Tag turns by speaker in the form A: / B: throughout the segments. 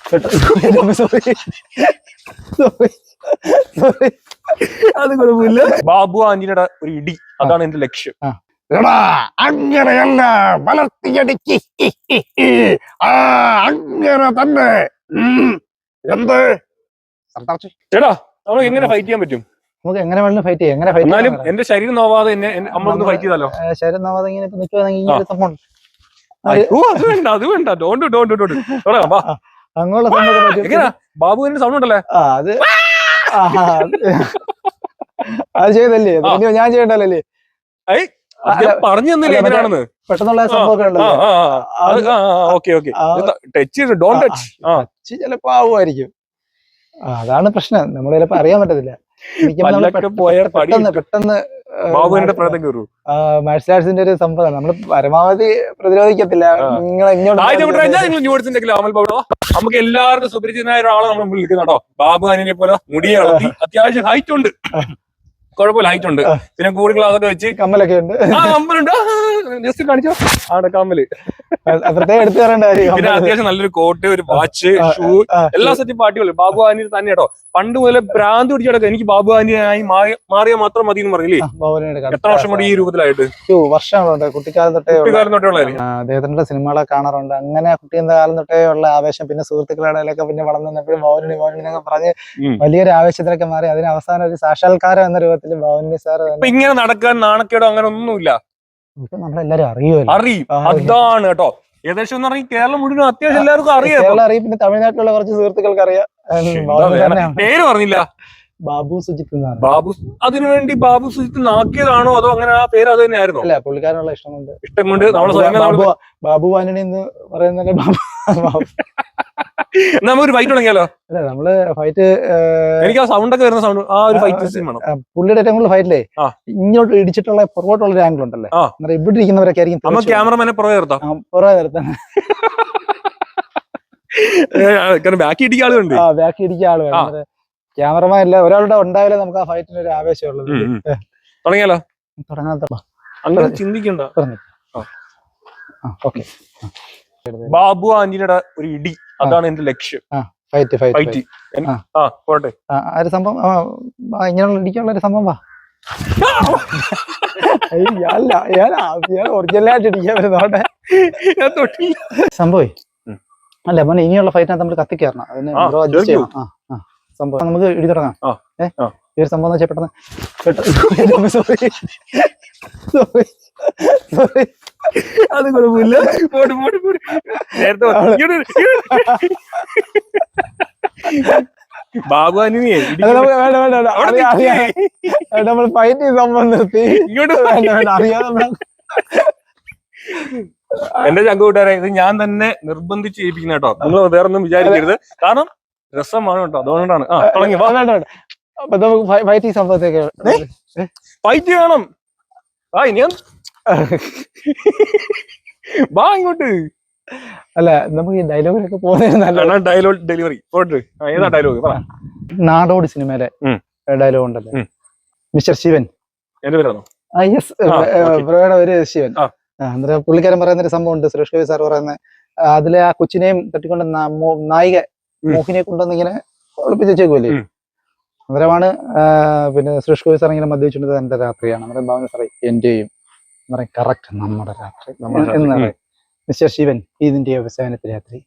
A: അത് കുഴപ്പമില്ല. ബാബു ആന്റിയുടെ ഒരു ഇടി, അതാണ് എന്റെ ലക്ഷ്യം.
B: എടാ അങ്ങനെയല്ല, വളർത്തിയടിക്ക് അങ്ങനെ തന്നെ. എന്ത്
A: ചേട്ടാ, നമുക്ക് എങ്ങനെ ഫൈറ്റ് ചെയ്യാൻ പറ്റും?
C: നമുക്ക് എങ്ങനെ വേണമെങ്കിലും ഫൈറ്റ് ചെയ്യാം. എങ്ങനെ ഫൈറ്റ്
A: എന്നാലും എന്റെ ശരീരം നോവാതെ എന്നെ നമ്മളൊന്ന് ഫൈറ്റ് ചെയ്താലോ?
C: ശരീരം നോവാതെ ഇങ്ങനെ നിൽക്കുവാണെങ്കിൽ
A: അത് വേണ്ട, അത് വേണ്ട.
C: അങ്ങനെയുള്ള സംഭവം
A: എങ്ങനെയാ ബാബുവിന്റെ സൗണ്ട് ഉണ്ടല്ലേ?
C: അത് അത് ചെയ്തല്ലേ, ഞാൻ ചെയ്യണ്ടല്ലേ?
A: പറഞ്ഞു തന്നില്ലേ എങ്ങനെയാണെന്ന്?
C: പെട്ടെന്നുള്ള സംഭവമൊക്കെ ഉണ്ടല്ലോ. ചിലപ്പോ ആവുമായിരിക്കും. അതാണ് പ്രശ്നം, നമ്മൾ ചിലപ്പോ അറിയാൻ പറ്റത്തില്ല. പെട്ടെന്ന് മാർഷൽ ആർട്സിന്റെ ഒരു സംഭവം നമ്മൾ പരമാവധി പ്രതിരോധിക്കത്തില്ല.
A: നമുക്ക് എല്ലാവർക്കും സുപരിചിതനായ ഒരാളെ നമ്മൾ വിളിക്കുന്നുണ്ടോ? ബാബു ആനിനെ പോലെ മുടിയെ വളർത്തി, അത്യാവശ്യം ഹൈറ്റ് ഉണ്ട്, കുഴപ്പമില്ല, ഹൈറ്റ് ഉണ്ട്. പിന്നെ കൂടി ഗ്ലാസൊക്കെ വെച്ച്
C: കമ്മലൊക്കെ ഉണ്ട്.
A: കമ്മലുണ്ട്, ജസ്റ്റ് കാണിച്ചോ ആണ് കമ്മല്.
C: പ്രത്യേകം എടുത്തു തരേണ്ട കാര്യം.
A: പിന്നെ അത്യാവശ്യം നല്ലൊരു കോട്ട്, ഒരു വാച്ച്, ഷൂ, എല്ലാ സെറ്റും പാർട്ടികളും. ബാബു ആനി തന്നെ കേട്ടോ. പണ്ട് മുതലേ ഭ്രാന്ത് പിടിച്ചെടുക്കുക, എനിക്ക് ബാബു ആനിയായി മാറിയാൽ മാത്രം മതി എന്ന് പറഞ്ഞില്ലേ? എത്ര വർഷം കൂടി ഈ രൂപത്തിലായിട്ട്?
C: വർഷങ്ങളുണ്ട്. കുട്ടിക്കാലം തൊട്ടേ അദ്ദേഹത്തിന്റെ സിനിമകളൊക്കെ കാണാറുണ്ട്. അങ്ങനെ കുട്ടിയുടെ കാലം തൊട്ടേ ഉള്ള ആവേശം, പിന്നെ സുഹൃത്തുക്കളുടെ ഇടയിലൊക്കെ പിന്നെ വളർന്നു വന്നപ്പോഴും ഭവനി എന്നൊക്കെ പറഞ്ഞ് വലിയൊരു ആവേശത്തിലൊക്കെ മാറി. അതിന് അവസാനം ഒരു സാക്ഷാത്കാരം എന്ന രൂപത്തിൽ ഭവനി സാർ
A: ഇങ്ങനെ നടക്കാൻ നാണക്കേടോ അങ്ങനെ ഒന്നുമില്ല.
C: നമ്മളെല്ലാരും അറിയും.
A: അതാണ് കേട്ടോ. ഏകദേശം എന്ന് പറഞ്ഞാൽ കേരളം മുഴുവൻ അത്യാവശ്യം എല്ലാവർക്കും അറിയാം.
C: പിന്നെ തമിഴ്നാട്ടിലുള്ള കുറച്ച് സുഹൃത്തുക്കൾക്ക് അറിയാം.
A: പേര് പറഞ്ഞില്ല,
C: ബാബു സുജിത്ത്.
A: ബാബു അതിനുവേണ്ടി ബാബു സുജിത്ത് നാക്കിയതാണോ അതോ അങ്ങനെ ആ പേര് അത് തന്നെയായിരുന്നു?
C: അല്ല, പുള്ളിക്കാരനുള്ള ഇഷ്ടം കൊണ്ട്
A: നമ്മള്
C: ബാബു ആന്റണി എന്ന് പറയുന്ന
A: ഒരു ഫൈറ്റ് തുടങ്ങിയാലോ?
C: അല്ല, നമ്മള് ഫൈറ്റ്
A: എനിക്ക് ആ സൗണ്ട് ഒക്കെ വരുന്ന സൗണ്ട്, ആ ഒരു ഫൈറ്റ്
C: പുള്ളിയുടെ ഏറ്റവും കൂടുതൽ ഫൈറ്റില്ലേ ഇങ്ങോട്ട് ഇടിച്ചിട്ടുള്ള പുറകോട്ടുള്ള ഒരു ആംഗിൾ ഉണ്ടല്ലേ, ഇവിടെ ഇരിക്കുന്നവരൊക്കെ ആയിരിക്കും
A: ക്യാമറമാനെ പുറകെ നിർത്താം.
C: പുറകെ നിർത്താൻ
A: ബാക്കി ഇടിക്കാൻ ആളുണ്ട്.
C: ബാക്കി ഇടിക്കാൻ ആള് വേണം. ക്യാമറമാൻ അല്ല, ഒരാളുടെ ഉണ്ടായാലേ നമുക്ക് ആ ഫൈറ്റിന് ഒരു ആവേശമുള്ളത്.
A: തുടങ്ങിയാലോ?
C: തുടങ്ങാത്ത
A: അങ്ങനെ ചിന്തിക്കണ്ട. ബാബു ആന്റിയുടെ ഒരു ഇടി, അതാണ് എന്റെ ലക്ഷ്യം.
C: ഫൈറ്റ്
A: പോട്ടെ.
C: ആ ഒരു സംഭവം ഇങ്ങനെയുള്ള ഇടിക്കാനുള്ള ഒരു സംഭവം ഒറിജിനലായിട്ട് ഇടിക്കാൻ വരുന്നോട്ടെ സംഭവം. അല്ല മോനെ, ഇനിയുള്ള ഫൈറ്റിനകത്ത് നമ്മൾ കത്തിക്കയറണം. അതിന് അഡ്ജസ്റ്റ് ചെയ്യണം. സംഭവം നമുക്ക് ഇടി തുടങ്ങാം. ഈ ഒരു സംഭവം വെച്ചാൽ പെട്ടെന്ന് സോറി
A: അത് കുഴപ്പമില്ല. ബാബു ആനിയെ
C: നമ്മൾ ഫൈറ്റ് സംഭവം നിർത്തി അറിയാതെ.
A: എന്റെ ചങ്ക കൂട്ടുകാരെ, ഇത് ഞാൻ തന്നെ നിർബന്ധിച്ച് ചെയ്യിപ്പിക്കുന്ന കേട്ടോ. നിങ്ങൾ വേറെ ഒന്നും വിചാരിക്കരുത്, കാരണം രസമാണ് കേട്ടോ. അതുകൊണ്ടാണ്. തുടങ്ങി
C: അപ്പൊ നമുക്ക് ഫൈറ്റ് സംഭവത്തേക്ക്
A: ഫൈറ്റ് ചെയ്യണം. ഇനി വാ ഇങ്ങോട്ട്.
C: അല്ല, നമുക്ക് ഈ ഡയലോഗിലൊക്കെ പോകുന്ന
A: ഡയലോഗ് ഡെലിവറി. ഏതാ ഡയലോഗ്?
C: നാടോടി സിനിമയിലെ ഡയലോഗ് ഉണ്ടല്ലോ, മിസ്റ്റർ ശിവൻ.
A: എന്റെ പേരാണോ?
C: ബ്രോയുടെ ഒരു ശിവൻ. അന്നേരം പുള്ളിക്കാരൻ പറയുന്ന ഒരു സംഭവം ഉണ്ട്, സുരേഷ് ഗോപി സാർ പറയുന്നത്. അതിലെ ആ കൊച്ചിനെയും തട്ടിക്കൊണ്ട് നായിക മോഹിനിയെ കൊണ്ടുവന്ന് ഇങ്ങനെ ഒളിപ്പിച്ച് വെച്ചേക്കുമല്ലേ. അന്നേരമാണ് പിന്നെ സുരേഷ് ഗോപി സാർ ഇങ്ങനെ മദ്യപിച്ചിട്ട് എന്റെ രാത്രിയാണ്. അന്നേരം ഭാവന സാറേ എന്റെയും കറക്റ്റ് നമ്മുടെ രാത്രി എന്ന് പറയും. മിസ്റ്റർ ശിവൻ, ഇതിന്റെ അവസാനത്തെ രാത്രി.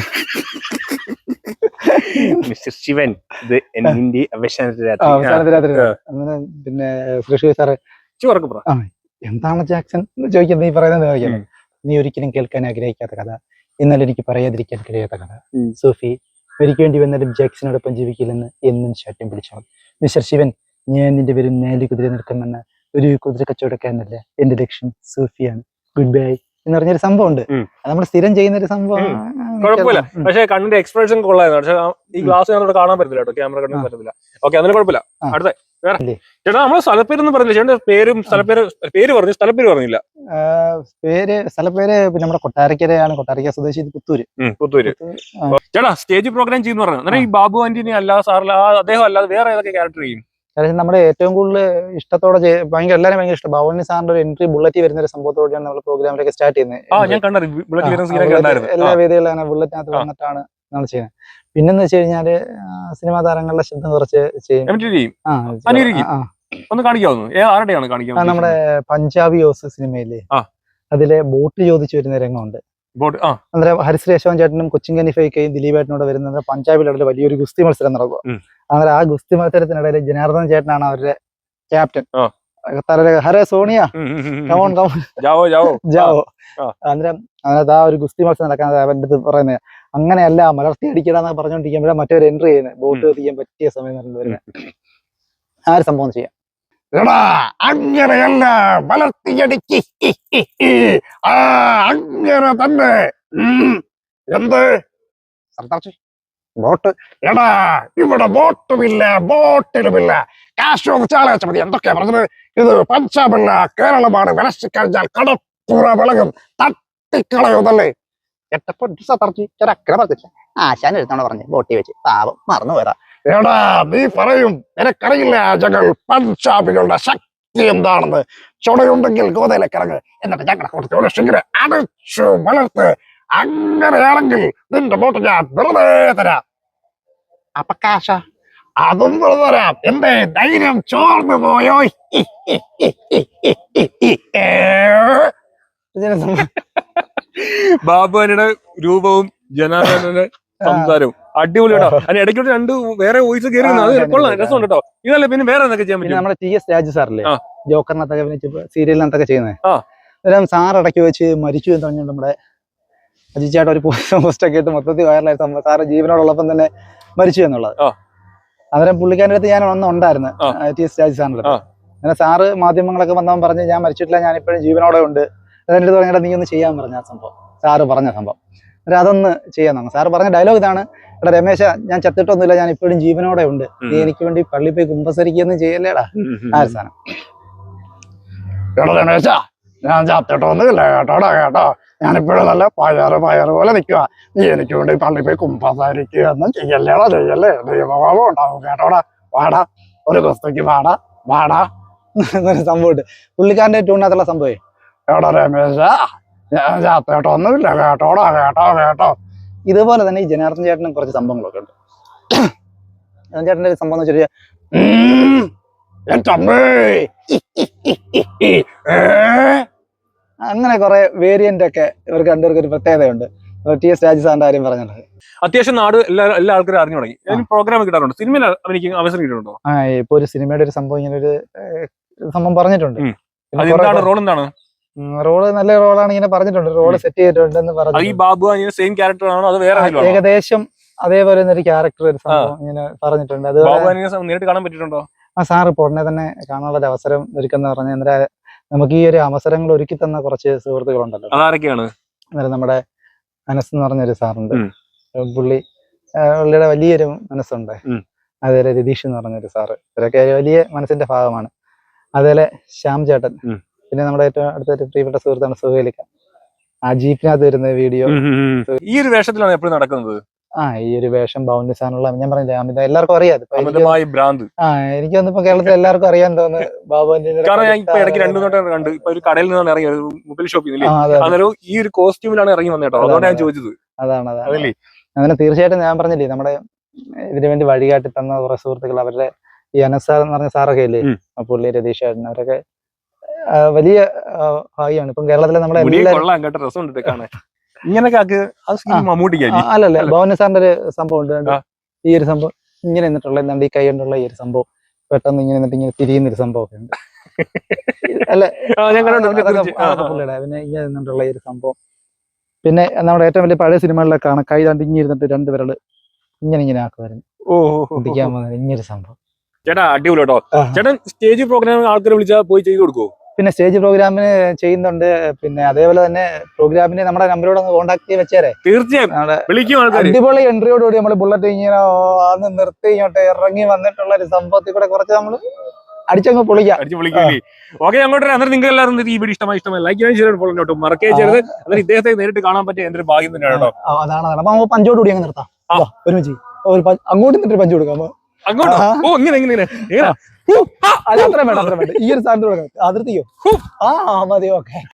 A: മിസ്റ്റർ ശിവൻ,
C: അവസാനത്തെ രാത്രി. അങ്ങനെ പിന്നെ സുരേഷ് ഗോപി സാറ് എന്താണ് ജാക്സൺ ചോദിക്കുന്നത്, നീ പറയുന്നത് ചോദിക്കുന്നത്. നീ ഒരിക്കലും കേൾക്കാൻ ആഗ്രഹിക്കാത്ത കഥ, എന്നാൽ എനിക്ക് പറയാതിരിക്കാൻ കഴിയാത്ത കഥ. സൂഫി, എനിക്ക് വേണ്ടി വന്നാലും ജാക്സനോടൊപ്പം ജീവിക്കില്ലെന്ന് എന്നും ശാഠ്യം പിടിച്ചോളും. മിസ്റ്റർ ശിവൻ, ഞാൻ നിന്റെ പേരും 4 കുതിര നിൽക്കുമെന്ന ഒരു കുതിര കച്ചവടക്കാരനല്ല, എന്റെ ലക്ഷ്യം സൂഫിയാണ്. ഗുഡ് ബൈ എന്ന് പറഞ്ഞൊരു സംഭവം ഉണ്ട്. നമ്മൾ സ്ഥിരം ചെയ്യുന്ന ഒരു സംഭവം.
A: കുഴപ്പമില്ല, പക്ഷെ കണ്ണിന്റെ എക്സ്പ്രഷൻ കൊള്ളായിരുന്നു. പക്ഷെ ഈ ഗ്ലാസ് കാണാൻ പറ്റില്ല കേട്ടോ, ക്യാമറ കണ്ണിന് പറ്റത്തില്ല. ഓക്കെ, അതിന് കുഴപ്പമില്ല. അടുത്ത ചേട്ടാ, നമ്മള് സ്ഥലപ്പേരൊന്നും പറഞ്ഞില്ല. ചേട്ടന്റെ പേരും പേര് പറഞ്ഞു, സ്ഥലപ്പേര് പറഞ്ഞില്ല.
C: സ്ഥലപ്പേര് നമ്മുടെ കൊട്ടാരക്കരയാണ്. കൊട്ടാരക്കര സ്വദേശി പുത്തൂര്.
A: ചേട്ടാ, സ്റ്റേജ് പ്രോഗ്രാം ചെയ്യുന്ന പറഞ്ഞു. അന്നേരം ഈ ബാബു ആന്റിനെ അല്ലാതെ സാറില്ല, അദ്ദേഹം അല്ലാതെ വേറെ ഏതൊക്കെ ക്യാരക്ടർ ചെയ്യും?
C: നമ്മുടെ ഏറ്റവും കൂടുതൽ ഇഷ്ടത്തോടെ എല്ലാവരും ഭയങ്കര ഇഷ്ടം ഭവനി സാറിന്റെ ഒരു എൻട്രി ബുള്ളറ്റ് വരുന്ന ഒരു സംഭവത്തോടെയാണ് നമ്മൾ പ്രോഗ്രാമിലൊക്കെ സ്റ്റാർട്ട് ചെയ്യുന്നത്.
A: ഞാൻ കണ്ടു,
C: എല്ലാ വേദികളും അങ്ങനെ ബുള്ളറ്റിനകത്ത് വന്നിട്ടാണ് നമ്മൾ ചെയ്യുന്നത്. പിന്നെന്ന് വെച്ച് കഴിഞ്ഞാല് സിനിമാ താരങ്ങളുടെ ശബ്ദം കുറച്ച് ചെയ്യും.
A: അനുകരിക്കും. ഒന്ന് കാണിക്കാവുന്നു. ആരുടെയാണ് കാണിക്കാൻ?
C: നമ്മുടെ പഞ്ചാബി ഹൗസ് സിനിമയിലെ അതിലെ ബോട്ട് ചോദിച്ചു വരുന്ന രംഗമുണ്ട്. അന്നേരം ഹരിശ്രീ അശോകൻ ചേട്ടനും കൊച്ചിൻ കനിഫയ്ക്കയും ദിലീപേട്ടനോട് വരുന്നത് പഞ്ചാബിലുള്ള വലിയൊരു ഗുസ്തി മത്സരം നടക്കുക. അന്നേരം ആ ഗുസ്തി മത്സരത്തിനിടയിൽ ജനാർദ്ദൻ ചേട്ടനാണ് അവരുടെ ക്യാപ്റ്റൻ. ഹരേ സോണിയ കമോൺ കമോൺ ജാവോ. അന്നേരം അതിനകത്ത് ആ ഒരു ഗുസ്തി മത്സരം നടക്കാൻ അവന്റെ അടുത്ത് പറയുന്നത് അങ്ങനെയല്ല മലർത്തി അടിക്കടാന്ന് പറഞ്ഞുകൊണ്ടിരിക്കുമ്പോഴാണ് മറ്റൊരു എൻട്രി ചെയ്യുന്നത്. ബോട്ട് എത്തിക്കാൻ പറ്റിയ സമയം വരുന്നത്. ആ ഒരു സംഭവം ചെയ്യാം.
B: എടാ അങ്ങനെയല്ല മലർത്തിയടിക്ക് അങ്ങനെ തന്നെ. എന്ത് ബോട്ട്? എടാ ഇവിടെ ബോട്ടുമില്ല, ബോട്ടിലുമില്ല. കാശ് ചോദിച്ചാൽ മതി. എന്തൊക്കെയാ പറഞ്ഞത്? ഇത് പഞ്ചാബല്ല കേരളമാണ്. വിലസിക്കഴിഞ്ഞാൽ കടപ്പുറ വിളകും, തട്ടിക്കളയുന്നല്ലേ.
C: ആശാൻ എടുത്തോണ്ട് പറഞ്ഞു ബോട്ടി വെച്ച് പാവം മറന്നു പോയതാ.
B: എടാ നീ പറയും നിനക്കറിയില്ല ഞങ്ങൾ പഞ്ചാബികളുടെ ശക്തി എന്താണെന്ന്. ചുടയുണ്ടെങ്കിൽ ഗോതയിലേക്കിറങ്ങ്, എന്നിട്ട് ഞങ്ങളെ കുറച്ച് അടച്ചു വളർത്ത്. അങ്ങനെയാണെങ്കിൽ നിന്റെ ബോട്ട് ഞാൻ വെറുതെ തരാം.
C: അപ്പൊ കാശ
B: അതും വെറുതെ തരാം. എന്റെ ധൈര്യം ചോർന്നു പോയോ?
A: ബാബുവിന്റെ രൂപവും ജനാർദ്ദനന്റെ സംസാരവും അടിപൊളി കേട്ടോ. അതിന് ഇടയ്ക്കോട്ട് രണ്ട് വേറെ വോയിസ് കയറി കൊള്ളാം, രസമുണ്ട് കേട്ടോ. ഇതല്ല പിന്നെ വേറെ എന്തൊക്കെ ചെയ്യാൻ പറ്റും?
C: നമ്മുടെ TS രാജു സാറല്ലേ ജോക്കറിനകത്തൊക്കെ അഭിനയിച്ച് സീരിയലിനകത്തൊക്കെ ചെയ്യുന്നത്. അന്നേരം സാർ ഇടയ്ക്ക് വെച്ച് മരിച്ചു എന്ന് പറഞ്ഞുകൊണ്ട് നമ്മുടെ അജിച്ചേട്ടൻ ഒരു പോസ്റ്റ് ഒക്കെ ഇട്ട് മൊത്തത്തിൽ വൈറലായ സംഭവം. സാറ് ജീവനോടുള്ളപ്പം തന്നെ മരിച്ചു എന്നുള്ളത്. അന്നേരം പുള്ളിക്കാരൻ്റെ അടുത്ത് ഞാൻ ഒന്നും ഉണ്ടായിരുന്നു, TS രാജു സാറിൻ്റെ അടുത്ത്. അങ്ങനെ സാറ് മാധ്യമങ്ങളൊക്കെ വന്നവൻ പറഞ്ഞ് ഞാൻ മരിച്ചിട്ടില്ല, ഞാനിപ്പോഴും ജീവനോടെ ഉണ്ട്. അതിൻ്റെ അടുത്ത് പറഞ്ഞാൽ നീ ഒന്ന് ചെയ്യാൻ പറഞ്ഞ ആ സംഭവം, സാറ് പറഞ്ഞ സംഭവം. അന്നേരം അതൊന്ന് ചെയ്യാൻ തന്നെ. സാറ് പറഞ്ഞ ഡയലോഗ് ഇതാണ്: എടാ രമേശ, ഞാൻ ചത്തിട്ടൊന്നുമില്ല, ഞാൻ ഇപ്പോഴും ജീവനോടെ ഉണ്ട്, നീ എനിക്ക് വേണ്ടി പള്ളി പോയി കുമ്പസരിക്കൊന്നും ചെയ്യല്ലേടാ. ആ ഒരു സാധനം.
B: എടാ രമേശ, ഞാൻ ചത്തിട്ടൊന്നുമില്ല കേട്ടോടാ, കേട്ടോ. ഞാനിപ്പോഴും നല്ല പയറ് പോലെ നിൽക്കുക. നീ എനിക്ക് വേണ്ടി പള്ളി പോയി കുമ്പസരിക്കുക ഒന്നും ചെയ്യല്ലേടാ, ചെയ്യല്ലേ. ദൈവഭാവം ഉണ്ടാവും കേട്ടോടാ. വാടാ, ഒരു കുസ്തിക്ക് വാടാ വാടാ
C: എന്നൊരു സംഭവമുണ്ട് പുള്ളിക്കാരൻ്റെ ട്യൂണിനകത്തുള്ള സംഭവം.
B: എടാ രമേശ, ഞാൻ ചത്തിട്ടൊന്നുമില്ല കേട്ടോടാ, കേട്ടോ കേട്ടോ.
C: ഇതുപോലെ തന്നെ ഈ ജനാർദ്ദൻ ചേട്ടനും കുറച്ച് സംഭവങ്ങളൊക്കെ ഉണ്ട്. ജനാർദ്ദൻ ചേട്ടൻ്റെ ഒരു സംഭവം എന്ന് വെച്ചാൽ അങ്ങനെ കുറെ വേരിയന്റ് ഒക്കെ ഇവർക്ക് രണ്ടുപേർക്ക് ഒരു പ്രത്യേകതയുണ്ട്. TS രാജു സാറിന്റെ കാര്യം പറഞ്ഞത്
A: അത്യാവശ്യം നാട് എല്ലാ ആൾക്കാരും അറിഞ്ഞു തുടങ്ങി. പ്രോഗ്രാം കിട്ടാറുണ്ട്. സിനിമയിൽ എനിക്ക് അവസരം കിട്ടുന്നുണ്ടോ?
C: ഇപ്പൊ ഒരു സിനിമയുടെ ഒരു സംഭവം ഇങ്ങനെ ഒരു സംഭവം പറഞ്ഞിട്ടുണ്ട്.
A: റോൾ എന്താണ്?
C: റോള് നല്ല റോളാണ് ഇങ്ങനെ പറഞ്ഞിട്ടുണ്ട്. റോള് സെറ്റ് ചെയ്തിട്ടുണ്ടെന്ന് പറഞ്ഞു.
A: ഈ ബാബു സെയിം ക്യാരക്ടർ ആണോ അത് വേറെ?
C: ഏകദേശം അതേപോലെ ഒരു ക്യാരക്ടർ ഒരു സംഭവം ഇങ്ങനെ പറഞ്ഞിട്ടുണ്ട്. അത്
A: നേരിട്ട് കാണാൻ പറ്റിയിട്ടുണ്ടോ?
C: സാർ ഇപ്പോൾ ഉടനെ തന്നെ കാണാനുള്ള ഒരു അവസരം ഒരുക്കുന്ന പറഞ്ഞ നമുക്ക് ഈ ഒരു അവസരങ്ങൾ ഒരുക്കി തന്ന കുറച്ച് സുഹൃത്തുക്കളുണ്ടല്ലോ.
A: അതാരൊക്കെയാണ്?
C: അന്നേരം നമ്മുടെ മനസ്സ് എന്ന് പറഞ്ഞൊരു സാറുണ്ട്. പുള്ളിയുടെ വലിയൊരു മനസ്സുണ്ട്. അതുപോലെ രതീഷ് എന്ന് പറഞ്ഞൊരു സാറ്, ഇവരൊക്കെ വലിയ മനസ്സിന്റെ ഭാഗമാണ്. അതുപോലെ ശ്യാം ചേട്ടൻ, പിന്നെ നമ്മുടെ ഏറ്റവും അടുത്തൊരു പ്രിയപ്പെട്ട സുഹൃത്താണ് സുഹേലിക്ക. ആ ജീപ്പിനകത്ത് വരുന്ന വീഡിയോ.
A: ഈ ഒരു വേഷത്തിലാണ് എപ്പോഴും നടക്കുന്നത്.
C: ഈ ഒരു വേഷം ബൗണ്ടിസാനുള്ള ഞാൻ പറഞ്ഞില്ലേ, അമിത എല്ലാവർക്കും അറിയാം. എനിക്ക് വന്നിപ്പോ കേരളത്തിൽ എല്ലാവർക്കും അറിയാൻ തോന്നുന്നു ബാബുവിന്റെ.
A: ഇടയ്ക്ക് രണ്ടു നോട്ടം കണ്ട് ഇപ്പൊ ഒരു കടയിൽ നിന്നാണ് ഇറങ്ങി, മൊബൈൽ ഷോപ്പിൽ ഈ ഒരു കോസ്റ്റ്യൂമിലാണ് ഇറങ്ങി വന്നേട്ടോ. അതുകൊണ്ട് ഞാൻ ചോദിച്ചത്.
C: അതാണ് അങ്ങനെ തീർച്ചയായിട്ടും ഞാൻ പറഞ്ഞില്ലേ, നമ്മുടെ ഇതിനു വേണ്ടി വഴികാട്ടി തന്ന കുറെ സുഹൃത്തുക്കൾ, അവരുടെ ഈ അനസാർ എന്ന് പറഞ്ഞ സാറൊക്കെ ഇല്ലേ, പുള്ളി രതീഷ് ചേട്ടൻ, അവരൊക്കെ വലിയ ഭാഗ്യമാണ്. ഇപ്പം കേരളത്തിലെ നമ്മുടെ അല്ലല്ല ഭവന സാറിന്റെ ഒരു സംഭവം ഉണ്ട്. ഈ ഒരു സംഭവം ഇങ്ങനെ നിന്നിട്ടുള്ള എന്താണ് ഈ കൈ കൊണ്ടുള്ള ഈ ഒരു സംഭവം പെട്ടെന്ന് ഇങ്ങനെ നിന്നിട്ട് ഇങ്ങനെ തിരിയുന്നൊരു സംഭവമൊക്കെ ഉണ്ട്. അല്ലെ പുള്ളിയുടെ പിന്നെ ഇങ്ങനെ നിന്നിട്ടുള്ള ഈ ഒരു സംഭവം. പിന്നെ നമ്മുടെ ഏറ്റവും വലിയ പഴയ സിനിമകളിലൊക്കെ കാണാം, കൈ രണ്ട് ഇങ്ങനെ ഇരുന്നിട്ട് രണ്ട് വിരല് ഇങ്ങനെ ആക്കുമായിരുന്നു. കുട്ടിക്കാൻ പോകുന്നത് ഇങ്ങനൊരു സംഭവം.
A: ചേട്ടാ അടിപൊളി കേട്ടോ. ചേട്ടൻ സ്റ്റേജ് പ്രോഗ്രാം ആൾക്കാരെ വിളിച്ചാൽ പോയി ചെയ്തു കൊടുക്കുമോ?
C: പിന്നെ സ്റ്റേജ് പ്രോഗ്രാമിന് ചെയ്യുന്നുണ്ട്. പിന്നെ അതേപോലെ തന്നെ പ്രോഗ്രാമിന് നമ്മുടെ നമ്പറോട് ഒന്ന് കോൺടാക്ട് ചെയ്ത് വെച്ചേരെ.
A: തീർച്ചയായും
C: അടിപൊളി എൻട്രിയോടുകൂടി നമ്മൾ ബുള്ളറ്റ് ഇങ്ങനെ അന്ന് നിർത്തി ഇങ്ങോട്ട് ഇറങ്ങി വന്നിട്ടുള്ള ഒരു സംഭവത്തിൽ കൂടെ കുറച്ച് നമ്മൾ അടിച്ചങ്ങ് പൊളിക്കാം.
A: ഓക്കെ, അങ്ങോട്ട് അന്നേരം നിങ്ങൾ എല്ലാവരും ഈ വീഡിയോ ഇഷ്ടമായി ലൈക്ക് ചെയ്യാൻ ചെയ്തോട്ടോ, മറക്കേ ചെയ്ത്. അന്നേരം ഇദ്ദേഹത്തെ നേരിട്ട് കാണാൻ പറ്റിയ എന്റെ ഒരു ഭാഗ്യം തന്നെയാണ് കേട്ടോ.
C: അതാണ്. അപ്പൊ നമുക്ക് പഞ്ചോട് കൂടി അങ്ങ് നിർത്താം ഒരുമിച്ച്. അങ്ങോട്ട് നിന്നിട്ട് പഞ്ച് കൊടുക്കാം.
A: അങ്ങോട്ട് ഇങ്ങനെ
C: അത്ര വേണ്ട ഈ ഒരു സ്ഥാനത്ത് അതിർത്തിയോ? മതി. ഓക്കെ.